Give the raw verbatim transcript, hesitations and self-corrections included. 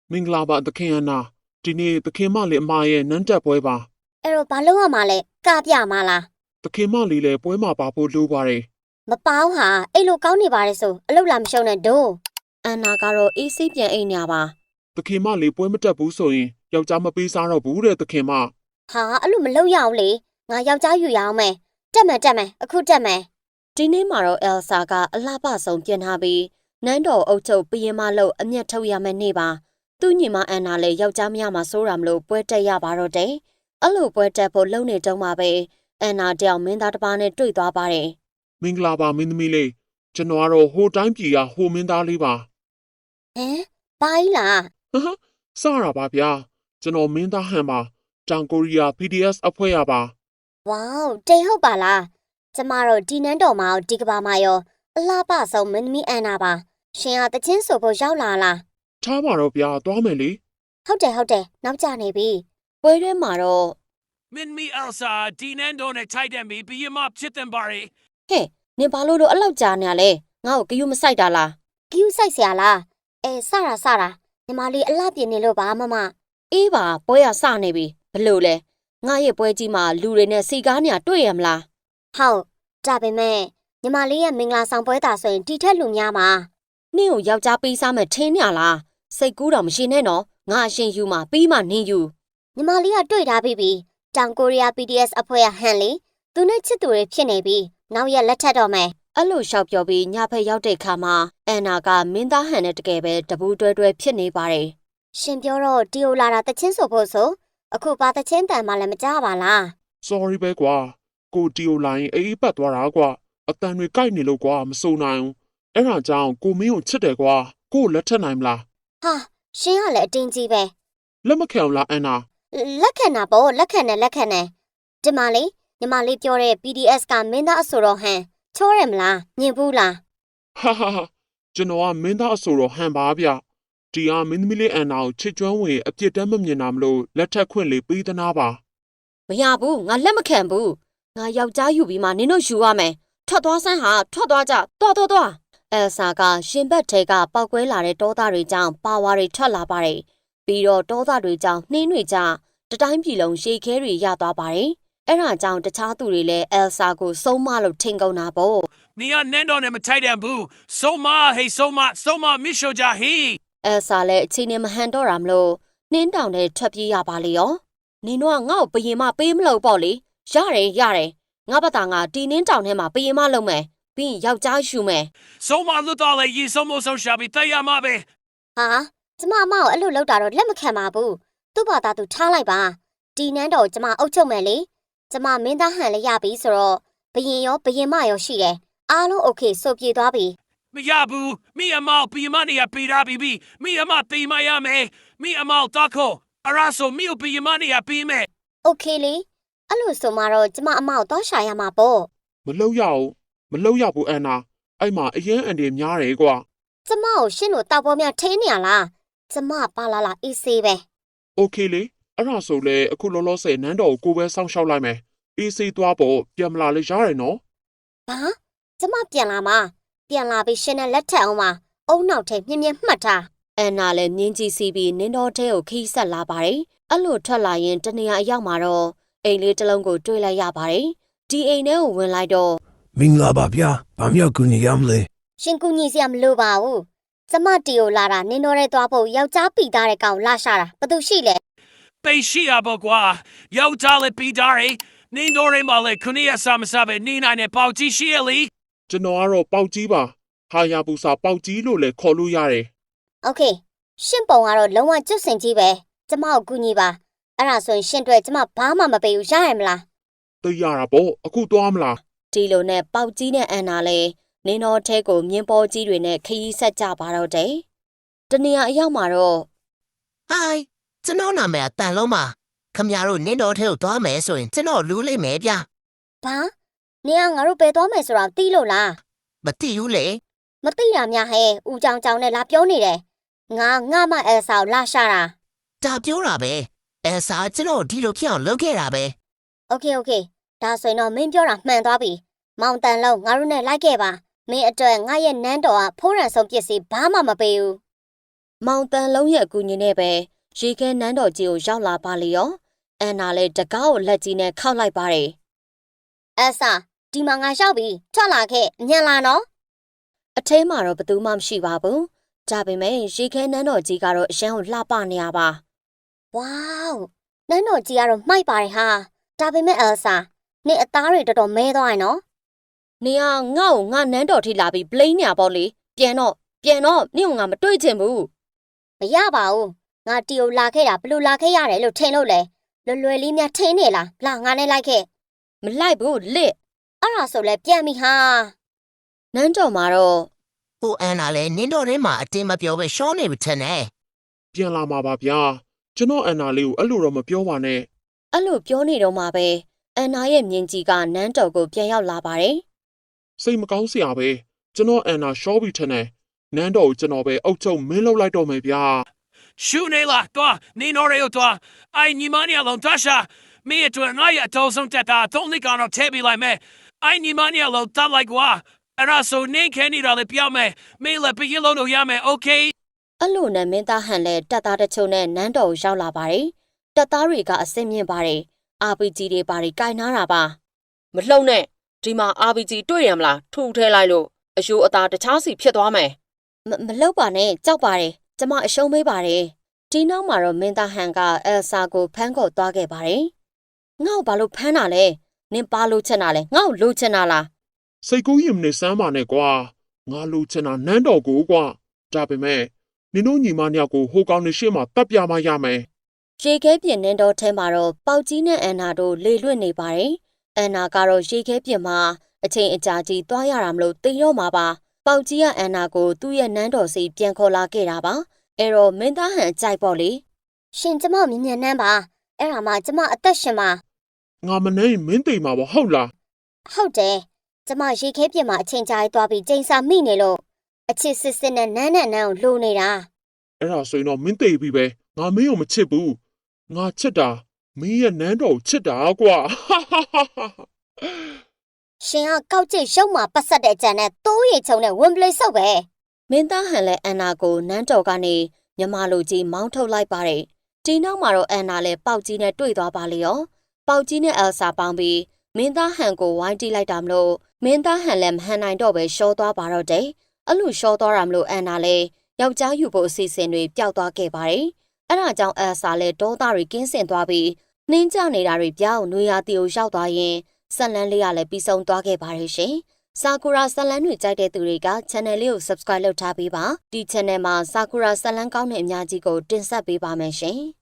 မင်္ဂလာပါသခင်အနာဒီနေ့သခင်မလေးအမရဲ့နန်းတက်ပွဲပါအဲ့တော့ဘာလို့ရမှာလဲကပြမှာလားသခင်မလေးလည်းပွဲမှာပါဖို့လိုပါတယ်မပေါင်းဟာအဲ့လိုကောင်းနေပါတယ်ဆိုအလုပ်လာမရှုံနဲ့ဒို့အန်နာကတော့အေးစိပြန်အိမ်ညာပါသခင်မလေးပွဲမတက်ဘူးဆိုရင်ယောက်ျားမပေးစားတော့ဘူးတဲ့သခင်မဟာအဲ့လိုမလုပ်ရအောင်လေငါယောက်ျားယူရအောင်မယ်တက်မယ်တက်မယ်အခုတက်မယ်ဒီနေ့မှာတော့အယ်ဆာကအလှပဆုံးပြင်ထားပြီးနန်းတော်အုပ်ချုပ်ပြင်းမလို့အမျက်ထုတ်ရမယ်နေ့ပါသူ့ညီမအန်နာလည်းယောက်ျားမရမှာစိုးရမလို့ပွဲတက်ရပါတော့တယ်အဲ့လိုပွဲတက်ဖို့လုံနေတုံးပါပဲအန်နာတယောက်မင်းသားတစ်ပါးနဲ့တွေ့သွားပါတယ်မင်္ဂလာပါမင်းသမီးလေးကျွန်တော်ကတော့ဟိုတိုင်းပြည်ကဟိုမင်းသားလေးပါဟမ်ဘာကြီးလားဟဟစရပါဗျာကျွန်တော်မင်းသားဟန်ပါတောင်ကိုရီးယား ပီ ဒီ အက်စ် အဖွဲ့ရပါဝေါတိတ်ဟုတ်ပါလားကျမတို့ဒီနန်းတော်မှာဒီကဘာမှာရောအလှပဆုံးမင်းသမီးအန်နာပါရှင်ကတချင်းဆိုဖို့ရောက်လာလားထားပါတော့ဗျာသွားမယ်လေဟုတ်တယ်ဟုတ်တယ်နောက်ကျနေပြီပွဲထဲမှာတော့မင်းမီအယ်ဆာဒီနန်ဒိုနဲ့ထိုက်တယ်မီဘီယမဖြစ်တယ်ပါရီဟဲ့နင်ဘာလို့တော့အဲ့လောက်ကြာနေရလဲငါ့ကိုဂယုမဆိုင်တာလားဂယုဆိုင်เสียလားအဲစတာစတာညီမလေးအလှပြင်းနေလို့ပါမမအေးပါပွဲရစနေပြီဘလို့လဲငါရဲ့ပွဲကြီးမှာလူတွေနဲ့စီကားနေတွေ့ရမလားဟုတ်ဒါပေမဲ့ညီမလေးရဲ့မင်္ဂလာဆောင်ပွဲတာဆိုရင်တီထက်လူများမှာနင့်ကိုယောက်ျားပေးစားမယ်ထင်းနေလားစိတ်ကူးတော့မရှိနဲ့နော်ငါအရှင်ယူမှာပြီးမှနင်းယူညီမလေးကတွေ့ထားပြီးပြီတောင်ကိုရီးယား ပီ ဒီ အက်စ် အဖွဲ့ကဟန်လီသူနဲ့ချစ်သူတွေဖြစ်နေပြီနောက်ရက်လက်ထက်တော့မယ်အဲ့လိုရှောက်ပြောပြီးညဖက်ရောက်တဲ့ခါမှာအန်နာကမင်းသားဟန်နဲ့တကယ်ပဲတပူးတွဲတွဲဖြစ်နေပါတယ်ရှင်ပြောတော့ဒီယိုလာတာတချင်းဆိုဖို့ဆိုအခုပါတချင်းတန်မှလည်းမကြပါလား sorry ပဲကွာကိုတီယိုလိုင်းအေးအေးပတ်သွားတာကွာအတန်တွေကြိုက်နေလို့ကွာမစုံနိုင်ဘူးအဲ့ဒါကြောင့်ကိုမင်းကိုချစ်တယ်ကွာကိုလက်ထက်နိုင်မလားဟာရှင်ကလည်းအတင်းကြီးပဲလက်မခံလားအန်နာလက်ခံတာပေါ့လက်ခံတယ်လက်ခံတယ်ဒီမလေးညီမလေးပြောတဲ့ ပီ ဒီ အက်စ် ကမင်းသားအဆိုတော်ဟန်ချောရမလားညင်ဘူးလားဟာဟာဟာကျွန်တော်ကမင်းသားအဆိုတော်ဟန်ပါဗျဒီဟာမင်းသမီးလေးအန်နာကိုချစ်ကျွမ်းဝင်အပြစ်တမ်းမမြင်တာမလို့လက်ထက်ခွင့်လေးပေးသနာပါမရဘူးငါလက်မခံဘူးငါယောက်ျားယူပြီးမှနင်တို့ယူရမယ်ထွက်သွားစမ်းဟာထွက်သွားကြတော်တော်တော်အယ်ဆာကရှင်ဘက်ထဲကပောက်ကွဲလာတဲ့တောသားတွေကြောင့်ပါဝါတွေထွက်လာပါတယ်ပြီးတော့တောသားတွေကြောင့်နှင်းတွေကြောင့်တတိုင်းပြည်လုံးရှေးခဲတွေရသွားပါတယ်အဲ့ဒါကြောင့်တခြားသူတွေလည်းအယ်ဆာကိုစုံမလို့ထင်ကုန်တာပေါ့နီယာနန်ဒိုနဲ့မထိုက်တယ်ဘူးဆိုမာဟေးဆိုမာဆိုမာမီရှိုဂျာဟီအယ်ဆာလည်းအချိန်နဲ့မဟန်တော့တာမလို့နှင်းတောင်နဲ့ထွက်ပြေးရပါလေရောနင်တို့ကငါ့ကိုဘယင်မပေးမလို့ပေါ့လေရတယ်ရတယ်ငါဘာသာငါဒီနင်းတောင်ထဲမှာဘယင်မလုပ်မယ်ပြီးယောက်ျားရှူမယ်ဆိုမာလွတ်တော်လေရီဆိုမိုဆိုရှာပြီးတရားမပဲဟာကျမအမကိုအဲ့လိုလုပ်တာတော့လက်မခံပါဘူးသူ့ဘာသာသူထားလိုက်ပါဒီနန်းတော်ကျမအုပ်ချုပ်မယ်လေကျမမင်းသားဟန်လည်းရပြီဆိုတော့ဘယင်ရောဘယင်မရောရှိတယ်အားလုံးโอเคဆိုပြေသွားပြီမရဘူးမိအမောက်ဘီမနီယာပေးတာဘီဘီမိအမတေးမရမယ်မိအမောက်တခိုအရာဆိုမိဘီမနီယာပေးမယ်โอเคလေအဲ့လိုဆိုမှတော့ကျမအမကိုတော့ရှာရမှာပေါ့မလုပ်ရအောင်မလုပ်ရဘူးအန်နာအဲ့မှာအရင်အန်ဒီများတယ်ကွာကျမကိုရှင်းလို့တောက်ပေါ်များထိနေရလားကျမပါလာလာအေးဆေးပဲโอเคလေအဲ့ဒါဆိုလေအခုလောလောဆယ်နန်းတော်ကိုကိုပဲစောင့်ရှောက်လိုက်မယ်အေးဆေးသွားဖို့ပြန်မလာလေရတယ်နော်ဟာကျမပြန်လာမှာပြန်လာပြီးရှင်းနဲ့လက်ထက်အောင်ပါအုံနောက်ထဲမြင်းမြင်းမှတ်ထားအန်နာလည်းမြင်းကြီးစီးပြီးနင်းတော်ထဲကိုခီးဆက်လာပါတယ်အဲ့လိုထွက်လာရင်တနေရာအရောက်မှာတော့အိမ်လေးတစ်လုံးကိုတွေ့လိုက်ရပါတယ်ဒီအိမ်ထဲကိုဝင်လိုက်တော့မင်္ဂလာပါဗျာဘာမြောက်ကူညီရမလဲရှင်ကူညီစရာမလိုပါဘူးကျမတီကိုလာတာနင်းတော်ထဲသွားဖို့ယောက်ျားပီသားတဲ့ကောင်လာရှာတာဘာလို့ရှိလဲပေးရှိရပါကွာယောက်ျားလည်းပီသားရနင်းတော်ထဲမှာလည်းခုနှစ်ရက်စာမစားပဲနေနိုင်တဲ့ပေါက်ကြီးရှိရလေကျွန်တော်ကတော့ပေါက်ကြီးပါဟာယာပူစာပေါက်ကြီးလို့လည်းခေါ်လို့ရတယ်โอเคရှင့်ပုံကတော့လုံးဝကျွတ်စင်ကြီးပဲကျမကိုကူညီပါအဲ့ဒါဆိုရင်ရှင့်တွေ့ကျမဘာမှမပေးဘူးရရမလားသိရတာပေါ့အခုသွားမလားဒီလိုနဲ့ပေါက်ကြီးနဲ့အန်နာလဲနင်းတော်ထဲကိုမြင်းပေါ်ကြီးတွေနဲ့ခရီးဆက်ကြပါတော့တယ်တနေရာအရောက်မှာတော့ဟိုင်းကျွန်တော်နာမည်တန်လုံးပါခမရတို့နင်းတော်ထဲကိုသွားမယ်ဆိုရင်ကျွန်တော်လူးလိုက်မယ်ဗျဘာနင်ကငါတို့ပဲသွားမယ်ဆိုတာသိလို့လားမသိဘူးလေမသိရများဟဲ့ဦးကြောင်ကြောင်နဲ့လာပြောနေတယ်ငါငါမအဲဆာကိုလာရှာတာဒါပြောတာပဲအဲဆာကျွန်တော်ဒီလိုဖြစ်အောင်လုပ်ခဲ့တာပဲโอเคโอเคဒါဆိုရင်တော့မင်းပြောတာမှန်သွားပြီမောင်တန်လုံးငါတို့နဲ့လိုက်ခဲ့ပါမင်းအတွက်ငါရဲ့နန်းတော်ကဖိုးရန်ဆုံးပစ္စည်းဘာမှမပေးဘူးမောင်တန်လုံးရဲ့အကူအညီနဲ့ပဲရေခဲနန်းတော်ကြီးကိုရောက်လာပါလေရောအန်နာလည်းတကားကိုလက်ကြီးနဲ့ခောက်လိုက်ပါတယ်အဆာဒီမှာငါရောက်ပြီထွက်လာခဲ့ညံလာနော်အထဲမှာတော့ဘသူမှမရှိပါဘူးဒါပေမဲ့ရေခဲနန်းတော်ကြီးကတော့အရန်ကိုလှပနေရပါဝေါနန်းတော်ကြီးကတော့မှိုက်ပါတယ်ဟာဒါပေမဲ့အဆာနေအသားတွေတော်တော်မဲသွားရင်နော်နေကငါ့ကိုငါနန်းတော်ထိလာပြီးပလိန်ညာပေါ့လေပြန်တော့ပြန်တော့နင့်ကငါမတွေ့ချင်ဘူးမရပါဘူးငါတီကိုလာခဲ့တာဘလို့လာခဲ့ရတယ်လို့ထင်လို့လေလွယ်လွယ်လေးများထင်းနေလားလာငါနဲ့လိုက်ခဲ့မလိုက်ဘူးလစ်အဲ့ဒါဆိုလဲပြန်ပြီဟာနန်းတော်မှာတော့ကိုအန်နာလည်းနင်းတော်ထဲမှာအတင်းမပြောပဲရှောင်းနေပြီထင်တယ်ပြန်လာမှာပါဗျာကျွန်တော်အန်နာလေးကိုအဲ့လိုတော့မပြောပါနဲ့အဲ့လိုပြောနေတော့မှပဲအန်နာရဲ့မြင်ကြီးကနန်းတော်ကိုပြန်ရောက်လာပါတယ်စိတ်မကောင်းစရာပဲကျွန်တော်အန်နာရှော့ပြီးထင်တယ်နန်းတော်ကိုကျွန်တော်ပဲအုတ်ချုပ်မင်းလောက်လိုက်တော့မယ်ဗျာရှူနေလားတော့နင်းတော်ရောတော့အိုင်ညီမနီအလုံးတရှာမင်းတို့ငါရတော့ဆုံးတက်တာတော့နေကတော့ထဲပြီးလိုက်မယ်အိုင်ညီမနီအလုံးတက်လိုက်ကွာအဲ့ဒါဆိုနေခဲနေတော့လေပြောင်းမယ်မင်းလည်းပြင်းလို့တော့ရမယ်โอเคအဲ့လိုနဲ့မင်းသားဟန်လည်းတပ်သားတချို့နဲ့နန်းတော်ကိုရောက်လာပါတယ်တပ်သားတွေကအစင်မြင့်ပါတယ်အာပီဂျီတွေပါတယ်ကင်နာတာပါမလှုပ်နဲ့ဒီမှာအာပီဂျီတွေ့ရမလားထူထဲလိုက်လို့အယိုးအသားတခြားစီဖြစ်သွားမယ်မလှုပ်ပါနဲ့ကြောက်ပါတယ်ကျမအရှုံးမေးပါတယ်ဒီနောက်မှာတော့မင်းသားဟန်ကအယ်ဆာကိုဖမ်းခေါ်သွားခဲ့ပါတယ်ငါ့ကိုဘာလို့ဖမ်းတာလဲနင်ပါလို့ချင်တာလဲငါ့ကိုလိုချင်တာလားစိတ်ကူးရင်မနေစမ်းပါနဲ့ကွာငါလိုချင်တာနန်းတော်ကိုကွာဒါပေမဲ့နင်တို့ညီမနှစ်ယောက်ကိုဟိုကောင်နေရှေ့မှာတပ်ပြမရမယ်ရေခဲပြင်နှင်းတော်ထဲမှာတော့ပေါက်ကြီးနဲ့အန်နာတို့လေလွတ်နေပါတယ်အန်နာကတော့ရေခဲပြင်မှာအချိန်အကြာကြီးသွားရတာမလို့တိမ်တော့မှာပါပေါက်ကြီးကအန်နာကိုသူ့ရဲ့နန်းတော်စီပြန်ခေါ်လာခဲ့တာပါအဲ့တော့မင်းသားဟန်ကြိုက်ပေါ့လေရှင်ကျမမြင်မြန်နှမ်းပါအဲ့ဒါမှကျမအသက်ရှင်ပါငါမနိုင်မင်းသိမှာပေါ့ဟုတ်လားဟုတ်တယ်ကျမရေခဲပြင်မှာအချိန်ကြာကြီးသွားပြီးကျိန်စာမိနေလို့အချစ်စစ်စစ်နဲ့နန်းနဲ့နန်းကိုလိုနေတာအဲ့ဒါဆိုရင်တော့မင်းသိပြီပဲငါမင်းကိုမချစ်ဘူးငါချစ်တာမင်းရဲ့နန်းတော်ကိုချစ်တာကွာရှင်ကကောက်ကျိတ်ရုပ်မှာပတ်ဆက်တဲ့ကြံနဲ့တိုးရီချုံနဲ့ဝင်ပလေးဆုပ်ပဲမင်းသားဟန်လည်းအန်နာကိုနန်းတော်ကနေမြမလိုကြီးမောင်းထုတ်လိုက်ပါတယ်ဒီနောက်မှာတော့အန်နာလည်းပေါက်ကြီးနဲ့တွေ့သွားပါလေရောပေါက်ကြီးနဲ့အယ်ဆာပေါင်းပြီးမင်းသားဟန်ကိုဝိုင်းတီးလိုက်တာမလို့မင်းသားဟန်လည်းမဟန်နိုင်တော့ပဲရှော့သွားပါတော့တယ်အဲ့လိုရှော့သွားတာမလို့အန်နာလည်းယောက်ျားယူဖို့အစီအစဉ်တွေပျောက်သွားခဲ့ပါတယ်အဲ့ဒါကြောင့်အယ်ဆာလည်းဒေါသတွေကင်းစင်သွားပြီးနှင်းကြနေတာတွေပြောင်းနွေရာတီကိုရောက်သွားရင်ဆက်လန်းလေးကလည်းပြီးဆုံးသွားခဲ့ပါတယ်ရှင်။ဆာကူရာဆက်လန်းတွေကြိုက်တဲ့သူတွေက channel လေးကို subscribe လုပ်ထားပေးပါ။ဒီ channel မှာဆာကူရာဆက်လန်းကောင်းတဲ့အများကြီးကိုတင်ဆက်ပေးပါမယ်ရှင်။